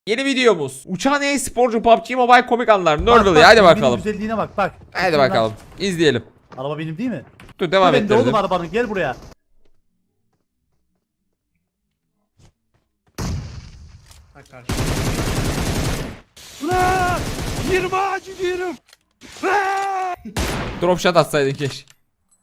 Yeni videomuz. Uçan e-sporcu PUBG Mobile komik anlar. Bak, Nerdle hadi bakalım. Güzelliğine bak. Hadi bakalım. İzleyelim. Araba benim değil mi? Dur devam Ben de ettirelim. oğlum arabanın, gel buraya. Ulan! 20 ağacı diyorum. Drop shot atsaydın keşke.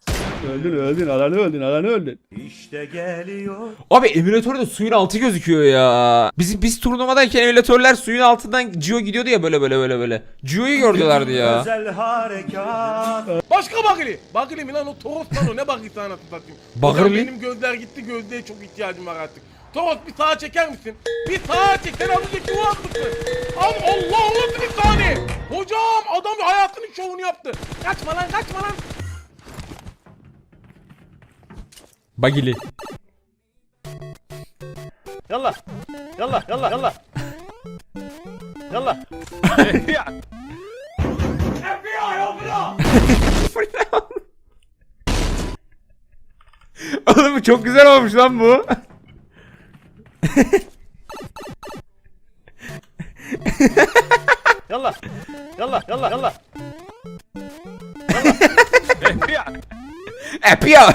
Alanı öldün. İşte geliyor. Abi emülatörde suyun altı gözüküyor ya. Biz turnuvadayken emülatörler suyun altından Gio gidiyordu ya böyle. Gio'yu gördülerdi ya. Özel harekat. Başka Bagili. Bagili mi lan o Toros lan o ne Bagili sana satayım. Bagili Hocam mi? benim gözler gitti, gözlüğe çok ihtiyacım var artık. Toros bir sağa çeker misin? Bir sağa çek, sen az önceki o atmışsın. Allah bir saniye. Hocam adam hayatının şovunu yaptı. Kaçma lan. Bagili. Yallah. Oğlum bu çok güzel olmuş lan bu. Yallah. Epia.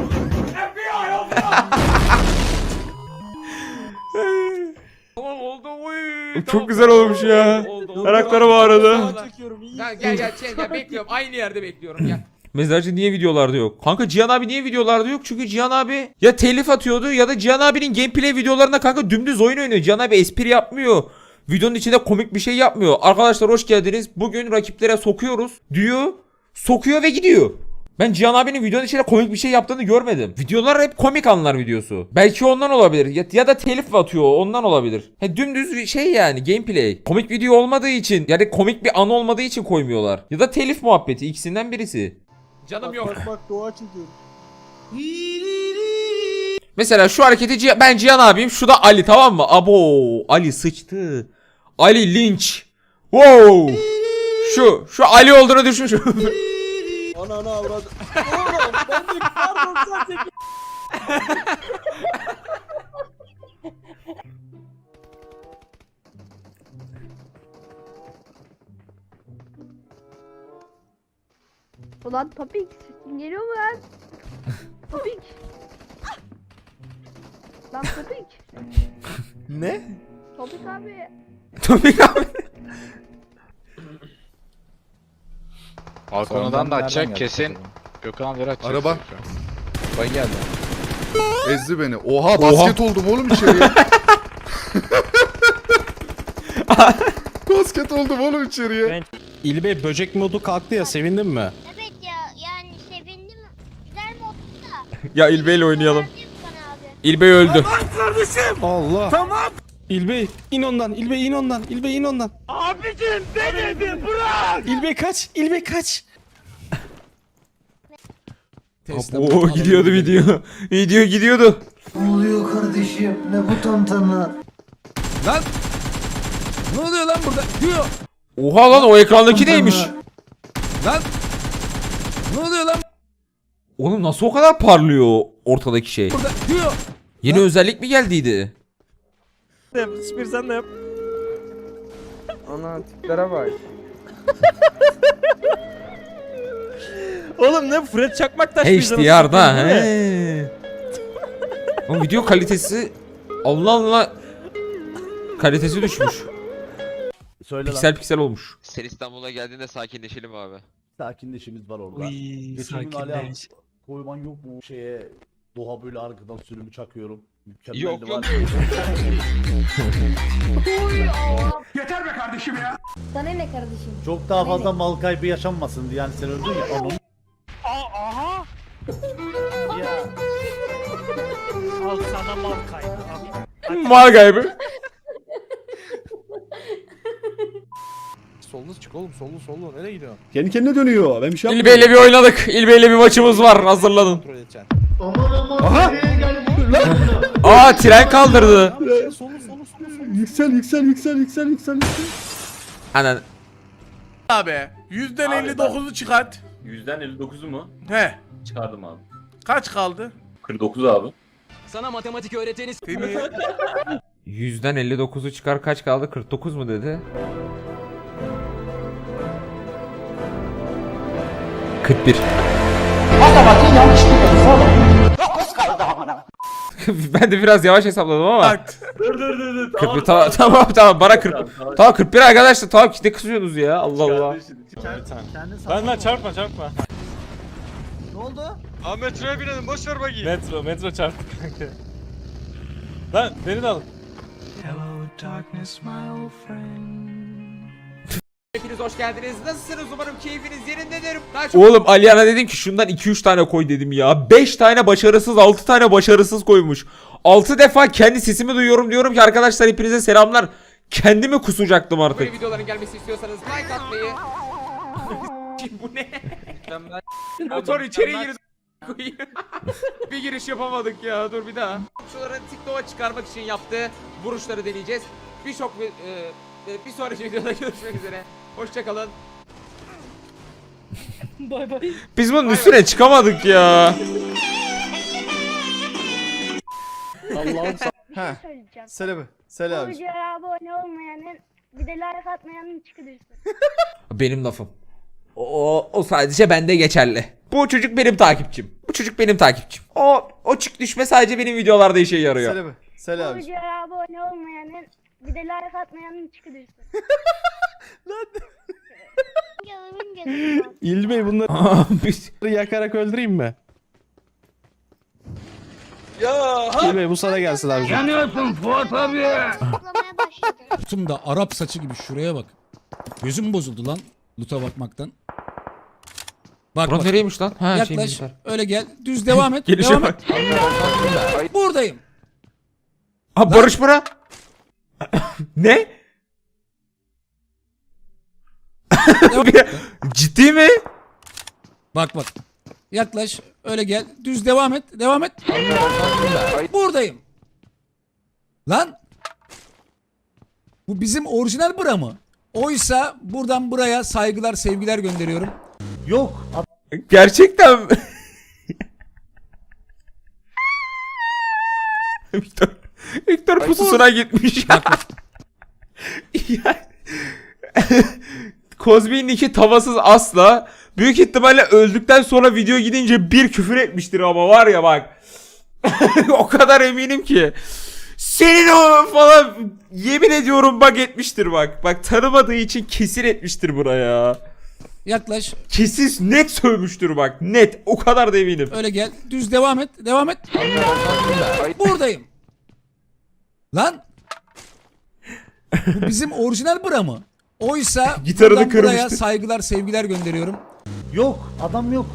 Oldu. Çok güzel olmuş ya. Ayakları bağırdı. Gel bekliyorum. Aynı yerde bekliyorum gel. Mezarcı niye videolarda yok? Kanka Cihan abi niye videolarda yok? Çünkü Cihan abi ya telif atıyordu ya da Cihan abinin gameplay videolarında kanka dümdüz oyun oynuyor. Cihan abi espri yapmıyor. Videonun içinde komik bir şey yapmıyor. Arkadaşlar hoş geldiniz. Bugün rakiplere sokuyoruz diyor. Sokuyor ve gidiyor. Ben Cihan abinin videonun içinde komik bir şey yaptığını görmedim. Videolar hep komik anlar videosu. Belki ondan olabilir. Ya da telif atıyor ondan olabilir. Dümdüz bir şey yani gameplay. Komik video olmadığı için yani komik bir an olmadığı için koymuyorlar. Ya da telif muhabbeti ikisinden birisi. Canım yok. Bak doğa çekiyor. Mesela şu hareketi ben Cihan abiyim, şu da Ali, tamam mı? Abo Ali sıçtı. Ali linç. Wow. Şu Ali olduğunu düşün şu. Ana avradı. Oğlum ben de pardon sen çek. Ulan Topik sesin geliyor mu lan? Topik. Lan Topik. Ne? Topik abi. Topik abi. Balkonundan da açacak kesin. Gökhan Vera açacak. Araba. Bay geldi. Ezdi beni. Oha basket oldum oğlum içeriye. Basket oldum oğlum içeriye. İlbey böcek modu kalktı ya, sevindin mi? Evet ya yani sevindim. Güzel moddu da. Ya İlbey ile oynayalım. Verdim bana abi. İlbey öldü. Allah. Tamam. İlbey in ondan. İlbey in ondan. İlbey in ondan. Abicim denedi bırak. İlbey kaç. İlbey kaç. Oo gidiyordu video. Video gidiyordu. Ne oluyor kardeşim? Ne bu tantana? Lan. Ne oluyor lan burada? Diyor. Oha lan o ekrandaki neymiş? Lan. Ne oluyor lan Oğlum nasıl o kadar parlıyor ortadaki şey? burada? Diyor. Yeni özellik mi geldiydi? Spir sen de yap. Ana tiplere bak. Oğlum ne Fred Çakmak taş HDR'da he. O video kalitesi Allah Allah kalitesi düşmüş. Söyle Piksel piksel olmuş. Sen İstanbul'a geldiğinde sakinleşelim abi. lan. Sakinleşimiz var orada. Geçen gün Ali abi koyman yok mu şeye? Doğa böyle arkadan sürümü çakıyorum. Mükemmeldi Yok, var. Yeter be kardeşim ya. Sana ne kardeşim? Çok daha fazla mal kaybı yaşanmasın diye, yani sen öldün ya. Onun... Aha. Ya. Al sana mal kaybı. Mal kaybı. Sollu çık oğlum sollu. Nereye gidiyorsun? Kendi kendine dönüyor. Ben bir şey İlbey'le bir oynadık. İlbey'le bir maçımız var. Hazırlanın. Kontrol edeceksin. Aha! Aa tren kaldırdı. Solu. Yüksel. Anan. Abi yüzden 59'u çıkart. Yüzden 59'u mu? He. Çıkardım abi. Kaç kaldı? 49 abi. Sana matematik öğreteni Seni 100'den 59'u çıkar kaç kaldı? 49 mu dedi? 41. Ben de biraz yavaş hesapladım ama. Dur. 41 tamam bana 40. Tamam 41 arkadaşlar tamam ne kızıyorsunuz ya Allah Allah. Lan çarpma. Ne oldu? Abi metroya binelim boş ver bakayım. Metro çarptı kanka. Lan beni de alın. Hepiniz hoş geldiniz. Nasılsınız? Umarım keyfiniz yerindedir. Daha çok Oğlum Aliyan'a dedim ki şundan 2-3 tane koy dedim ya. 5 tane başarısız 6 tane başarısız koymuş. 6 defa kendi sesimi duyuyorum diyorum ki arkadaşlar hepinize selamlar. Kendimi kusacaktım artık. böyle videoların gelmesi istiyorsanız like atmayı. Bu ne? Motor içeri gir. Bir giriş yapamadık ya. Dur bir daha. Şuları TikTok'a çıkarmak için yaptığı vuruşları deneyeceğiz. Bir sonraki videoda görüşmek üzere. Hoşçakalın. Biz bunun üstüne çıkamadık ya. Allah'ım Bir şey söyleyeceğim. Söyle Bu abi. videoya abone olmayanın bir de like atmayanın çıkıdırsın. Benim lafım. O sadece bende geçerli. Bu çocuk benim takipçim. Bu çocuk benim takipçim. O çık düşme sadece benim videolarda işe yarıyor. Söyle Bu videoya abone olmayanın bir de like atmayanın çıkıdırsın. Gözümün gözüm var. İlbey bunları Biz- yakarak öldüreyim mi? İlbey bu sana gelsin abi. Saklamaya başladım. Tüm da Arap saçı gibi şuraya bak. Gözüm bozuldu lan. Loot'a bakmaktan. Bak Burak nereymiş lan? Ha, Yaklaş. şeymişler. Öyle gel. Düz devam et. Gelişe devam bak. et. Buradayım. Ha Barış Burak. Ne? Ciddi mi? Bak. Yaklaş. Öyle gel. Düz devam et. Devam et. Buradayım. Lan. Bu bizim orijinal bura mı? Oysa buradan buraya saygılar, sevgiler gönderiyorum. yok. Gerçekten mi? Victor pususuna gitmiş. Yani Kozmi'nin iki tavasız asla. Büyük ihtimalle öldükten sonra video gidince bir küfür etmiştir ama var ya bak. O kadar eminim ki. Senin o falan yemin ediyorum bak etmiştir bak. Bak tanımadığı için kesin etmiştir buraya. Yaklaş. Kesin net sövmüştür bak. Net. O kadar da eminim. Öyle gel. Düz devam et. Devam et. Buradayım. Lan. Bu bizim orijinal bura mı? Oysa Gitarını buradan buraya kırmıştı. saygılar, sevgiler gönderiyorum. Yok. Adam yok.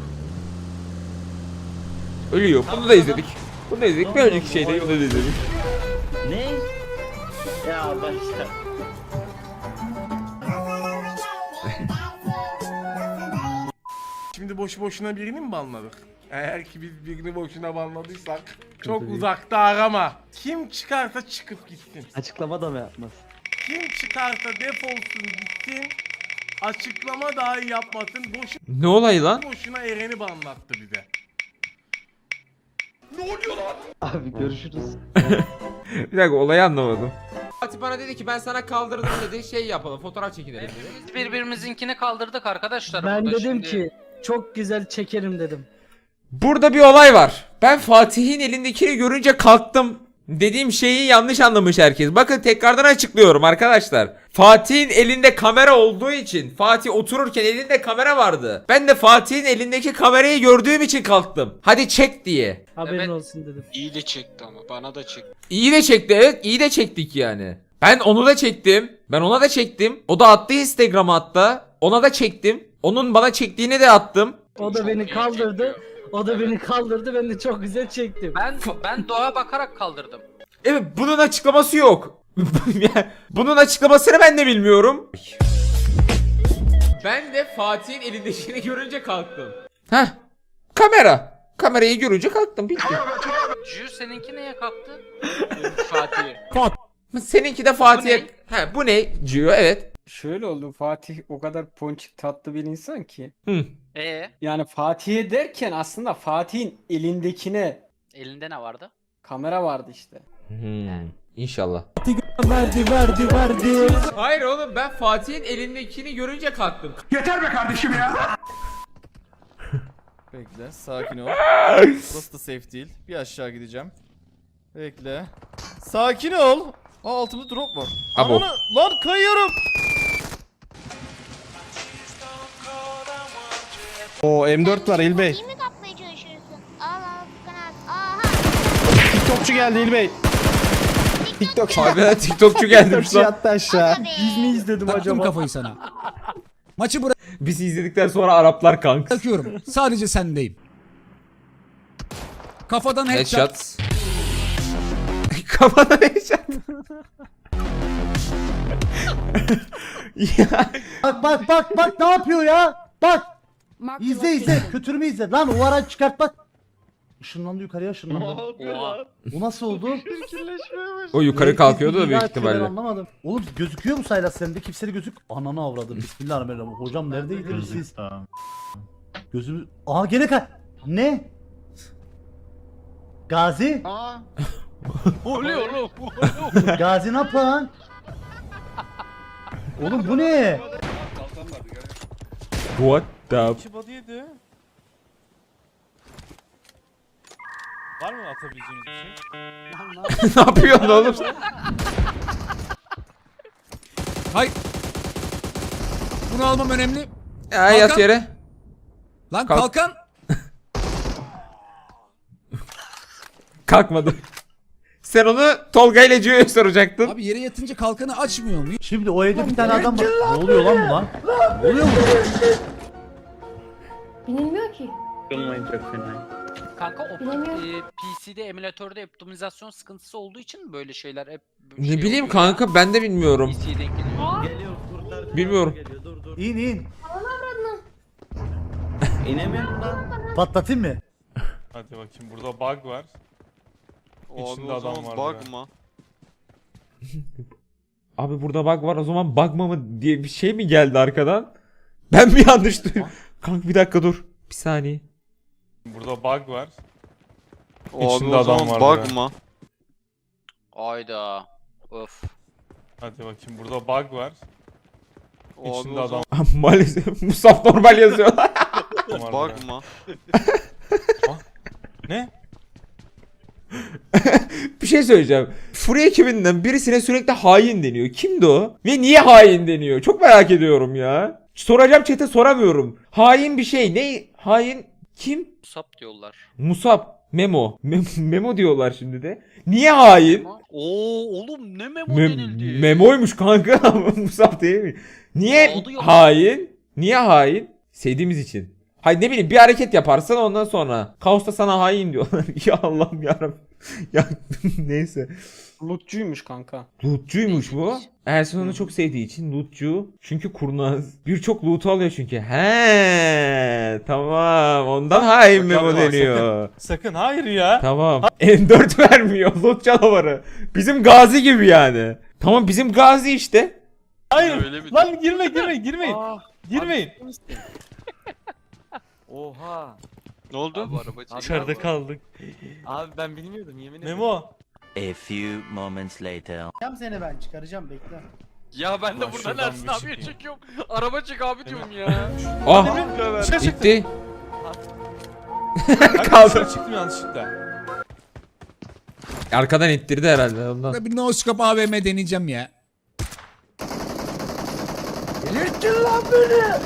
Ölüyor. Bunu da izledik. Bunu da izledik. Bir önceki şeyde bunu da izledik. Ne? Ya başla. Şimdi boşu boşuna birini mi banladık? Eğer ki biz birini boşuna banladıysak çok uzakta arama. Kim çıkarsa çıkıp gitsin. Açıklama da mı yapmaz? Kim çıkarsa defolsun gitsin. Açıklama dahi yapmasın. Boşu Ne olay lan? boşuna Eren'i banlattı bize. Abi görüşürüz. Bir dakika olayı anlamadım. Fatih bana dedi ki ben sana kaldırdım dedi. Şey yapalım fotoğraf çekinelim dedi. Biz birbirimizinkini kaldırdık arkadaşlar. Ben burada dedim şimdi. ki çok güzel çekerim dedim. Burada bir olay var. Ben Fatih'in elindekini görünce kalktım. Dediğim şeyi yanlış anlamış herkes. Bakın tekrardan açıklıyorum arkadaşlar. Fatih'in elinde kamera olduğu için Fatih otururken elinde kamera vardı. Ben de Fatih'in elindeki kamerayı gördüğüm için kalktım. Hadi çek diye. Haberin Evet. olsun dedim. İyi de çekti ama bana da çekti. İyi de çekti evet iyi de çektik yani. Ben onu da çektim. Ben ona da çektim. O da attı Instagram'a hatta. Ona da çektim. Onun bana çektiğini de attım. O da Çok beni iyi kaldırdı. çekiyor. O da beni kaldırdı. Ben de çok güzel çektim. Ben doğa bakarak kaldırdım. Evet bunun açıklaması yok. Bunun açıklamasını ben de bilmiyorum. Ben de Fatih'in elindekini görünce kalktım. Heh. Kamera. Kamerayı görünce kalktım. Bitti. Cü seninki neye kalktı? Fatih'i. Seninki de Fatih'e... He bu ne? Cio evet. Şöyle oldu. Fatih o kadar ponçik tatlı bir insan ki. Hı. Yani Fatih'e derken aslında Fatih'in elindekine Elinde ne vardı? kamera vardı işte. İnşallah. Verdi. Hayır oğlum ben Fatih'in elindekini görünce kalktım. Bekle sakin ol. Burası da safe değil. Bir aşağı gideceğim. Bekle. Sakin ol. Aa altımda drop var. Abo. Ananı lan kayıyorum. O M4 var İlbey. İyi mi kapmaya çalışıyorsun? Al al Furkan abi. Aha. TikTokçu geldi İlbey. TikTokçu. Abi TikTokçu gelmiş lan. yattı aşağı. Biz mi izledim Taktım kafayı sana. Maçı Bizi izledikten sonra Araplar kanka. bırakıyorum. Sadece sendeyim. Kafadan headshot. Headshot. Kafadan headshot. Ya. Bak ne yapıyor ya? Bak. İzle. Kötürümü izle. Lan o ara çıkart bak. Işınlandı yukarıya ışınlandı. Bu nasıl oldu? O yukarı kalkıyordu da büyük İlahi Ben ihtimalle. anlamadım. Oğlum gözüküyor mu Saylas sende? Kimseli gözük. Ananı avradım. Bismillahirrahmanirrahim. Hocam neredeydiniz siz? Gözümü... Aha gene Ne? Gazi? Oluyor oğlum. Gazi ne yapan? Oğlum bu ne? What the... İki body yedi. Var mı atabileceğiniz bir şey? Ne yapıyorsun oğlum? Hayır. Bunu almam önemli. Ya yat Kalkan. yere. Lan Kalk. kalkan. Kalkmadı. Sen onu Tolga ile Cio'ya soracaktın. Abi yere yatınca kalkanı açmıyor mu? Şimdi o evde bir tane adam var. Ne oluyor lan bu lan? Ne oluyor mu? Binilmiyor ki. Kanka o Bilemiyorum. PC'de emülatörde optimizasyon sıkıntısı olduğu için mi böyle şeyler hep Ne şey bileyim oluyor kanka ben de bilmiyorum. ya? PC'ye denk geliyor. Bilmiyorum. İn. Patlatayım mı? Hadi bakayım burada bug var. İçinde adam var. Bug mı? Abi burada bug var o zaman bugma mı diye bir şey mi geldi arkadan? Ben mi yanlış duydum? Kanka bir dakika dur. Bir saniye. Burada bug var. İçinde adam var. Bug mı? Ayda. Öf. Hadi bakayım burada bug var. İçinde adam Maalesef Musab normal yazıyor. var. Bug mı? Ne? Bir şey söyleyeceğim. Fury ekibinden birisine sürekli hain deniyor. Kimdi o? Ve niye hain deniyor? Çok merak ediyorum ya. Soracağım chat'e soramıyorum. Hain bir şey. Ne? Hain kim? Sap diyorlar. Musab. Memo. Memo diyorlar şimdi de. Niye hain? Oo oğlum ne memo denildi? Memoymuş kanka. Musab değil mi? Niye Oldu ya. hain? Niye hain? Sevdiğimiz için. Hayır ne bileyim bir hareket yaparsan ondan sonra. Kaos'ta sana hain diyorlar. Ya Allah'ım yarabbim. Ya neyse. Lootçuymuş kanka. Lootçuymuş bu. Ersin onu çok sevdiği için lootçu. Çünkü kurnaz. Birçok loot alıyor çünkü. He tamam. Ondan hain Memo deniyor. Sakın hayır ya. Tamam. M4 vermiyor. Loot canavarı. Bizim Gazi gibi yani. Tamam bizim Gazi işte. Hayır. Lan girmeyin. Girmeyin. Oha. Ne oldu? Dışarıda kaldık. Abi ben bilmiyordum yemin ederim. Memo. A few moments later. Seni ben çıkaracağım bekle. Ya ben de Lan buradan şuradan Ersin bir abiye çıkayım. çekiyorum. Araba çek abi diyorum ya. Ah gitti. Kaldı. Çıktım yanlışlıkla. Arkadan ittirdi herhalde ondan. Bir no scope AVM deneyeceğim ya. Delirttin lan beni.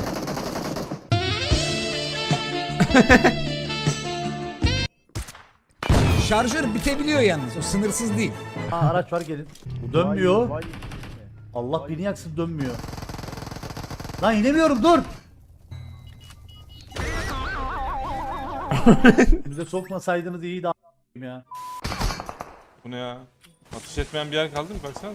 Şarjör bitebiliyor yalnız. O sınırsız değil. Araç var gelin. Bu dönmüyor. Allah beni yaksın dönmüyor. Lan inemiyorum dur. Bize sokmasaydınız iyiydi ya. Bu ne ya? Atış etmeyen bir yer kaldı mı? Baksana.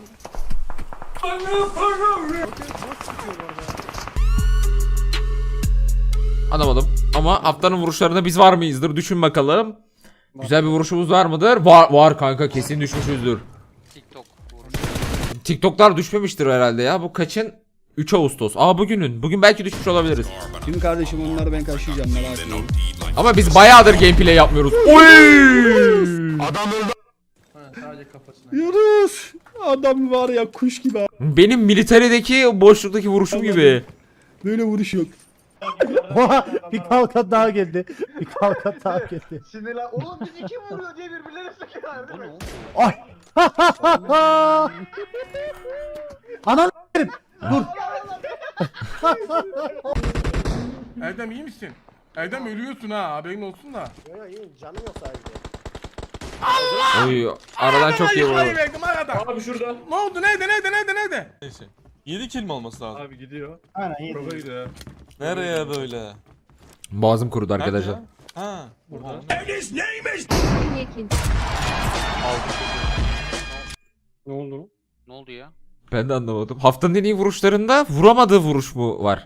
Anlamadım. Ama haftanın vuruşlarında biz var mıyızdır? Düşün bakalım. Güzel bir vuruşumuz var mıdır? Var kanka kesin düşmüşüzdür. TikTok. TikTok'lar düşmemiştir herhalde ya. Bu kaçın? 3 Ağustos. Bugünün. Bugün belki düşmüş olabiliriz. Şimdi kardeşim onları ben karşılayacağım merak etmeyin. Ama biz bayağıdır gameplay yapmıyoruz. Oy! Sadece kafasına. Yunus. Adam var ya kuş gibi. Benim militerideki boşluktaki vuruşum gibi. Böyle vuruş yok. Oha, bir kalkan daha geldi. Bir kalkan daha geldi. Sinirlen. Oğlum biz iki vuruyor diye birbirlerine sıkıyorlar değil mi? Ay. Anam dur. Erdem iyi misin? Erdem ölüyorsun ha, haberin olsun da. Oy, aradan çok iyi Hayır vurdu. verdim arada. Abi şurada. Ne oldu? Nerede? Neyse. 7 kill mi olması lazım? Aynen yedi. Nereye böyle? Boğazım kurudu arkadaşlar. Nerede ya? Ha. Burada. Ne oldu? Ne oldu ya? Ben de anlamadım. Haftanın en iyi vuruşlarında vuramadığı vuruş mu var?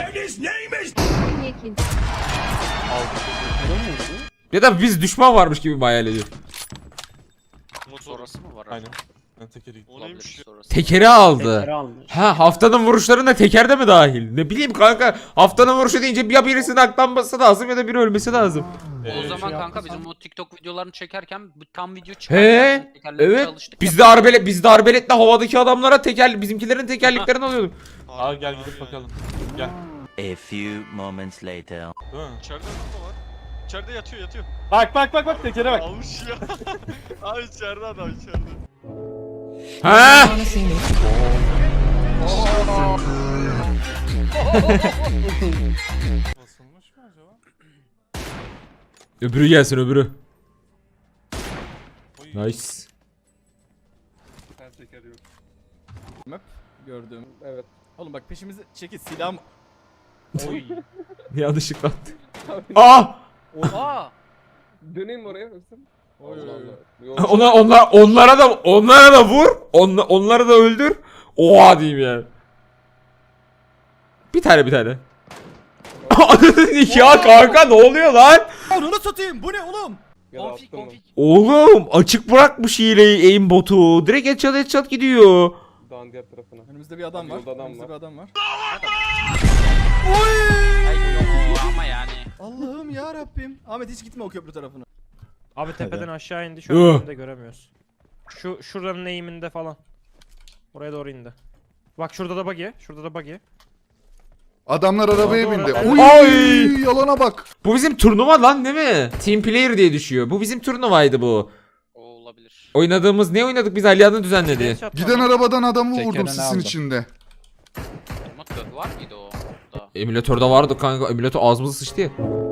Ya da biz düşman varmış gibi mi hayal ediyor? Sonrası mı var? Aynen. Ben tekeri gittim. Olabilir sonrası. Tekeri aldı. Tekrar almış. Ha, haftanın vuruşlarında teker de mi dahil? Ne bileyim kanka, haftanın vuruşu deyince ya birisinin aklanması lazım ya da biri ölmesi lazım. O zaman şey kanka bizim o TikTok videolarını çekerken bu tam video He, çıkarken tekerlekle evet. çalıştık Biz de arbeletle havadaki adamlara bizimkilerin tekerleklerini alıyorduk. Aa gel gidip bakalım. Gel. A few moments later. Değil mi? İçeride ne var? İçeride yatıyor. Bak tekere bak. Almış ya. Abi içeride adam içeride. Ha? Basılmış mı acaba? Öbürü gelsin öbürü. Oy. Nice. Her teker yok. Map gördüm. Evet. Oğlum bak peşimizi çekil silahım. Oy. Yanlışlıkla attı. Aa! Aa! Döneyim oraya mısın? Oy. Onlara da vur. Onları da öldür. Oha diyeyim yani. Bir tane. Ya kanka ne oluyor lan? Onu satayım. Bu ne oğlum? Konfig. Oğlum açık bırakmış hileyi aimbotu. Direkt headshot gidiyor. Dağın diğer tarafına. Önümüzde bir adam var. Yolda adam Önümüzde var. bir adam var. Ay yok ama yani. Allah'ım ya Rabbim. Ahmet hiç gitme o köprü tarafına. Abi tepeden aşağı indi. Şu an önünde göremiyoruz. Şuranın eğiminde falan. Oraya doğru indi. Bak şurada da buggy. Adamlar arabaya Doğru, bindi. evet. Oy, Ay! yalana bak. Bu bizim turnuva lan değil mi? Team player diye düşüyor. Bu bizim turnuvaydı bu. O olabilir. Oynadığımız ne oynadık biz, Aliyan'ın düzenledi. Giden arabadan adamı vurdum Tekerine sisin aldım. içinde. Umut var mıydı o? Da. Emülatörde vardı kanka. Emülatör ağzımıza sıçtı ya.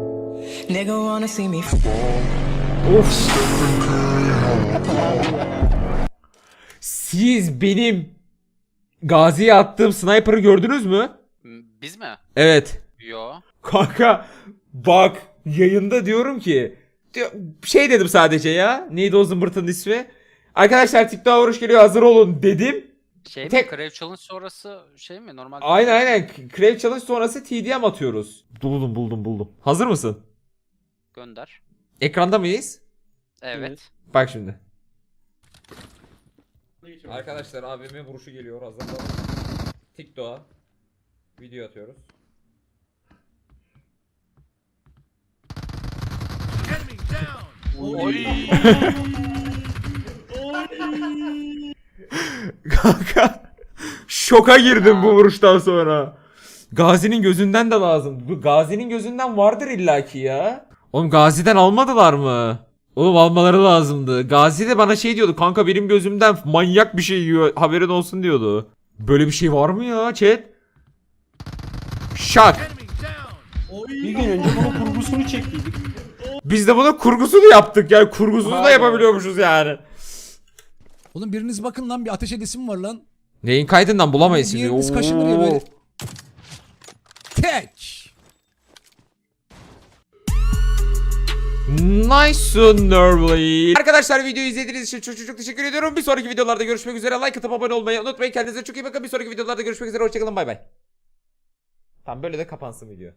Of. Siz benim Gazi'ye attığım sniper'ı gördünüz mü? Biz mi? Evet. Yo. Kanka bak yayında diyorum ki şey dedim sadece ya. Neydi o zımbırtının ismi? Arkadaşlar TikTok'a vuruş geliyor, hazır olun dedim. Şey Tek- mi? Crave Challenge sonrası şey mi? Normal. Aynen. Crave Challenge sonrası TDM atıyoruz. Buldum. Hazır mısın? Gönder. Ekranda mıyız? Evet. Bak şimdi. Arkadaşlar abimin vuruşu geliyor, hazırlanın. TikTok'a video atıyoruz. Kanka şoka girdim bu vuruştan sonra. Gazi'nin gözünden de lazım. Bu Gazi'nin gözünden vardır illaki ya. Oğlum Gazi'den almadılar mı? Oğlum almaları lazımdı. Gazi de bana şey diyordu. Kanka benim gözümden manyak bir şey yiyor. Haberin olsun diyordu. Böyle bir şey var mı ya chat? Şak. Bir gün önce bunun kurgusunu çektiydik. Biz de bunun kurgusunu yaptık. Yani kurgusunu da yapabiliyormuşuz yani. Oğlum biriniz bakın lan, bir ateş edesim var lan. Neyin kaydından bulamayız şimdi. Diğeriniz kaşınır ya böyle. Tek. Nice nervely. Arkadaşlar videoyu izlediğiniz için çok teşekkür ediyorum. Bir sonraki videolarda görüşmek üzere. Like atıp abone olmayı unutmayın. Kendinize çok iyi bakın. Bir sonraki videolarda görüşmek üzere. Hoşçakalın. Bay bay. Tamam, böyle de kapansın video.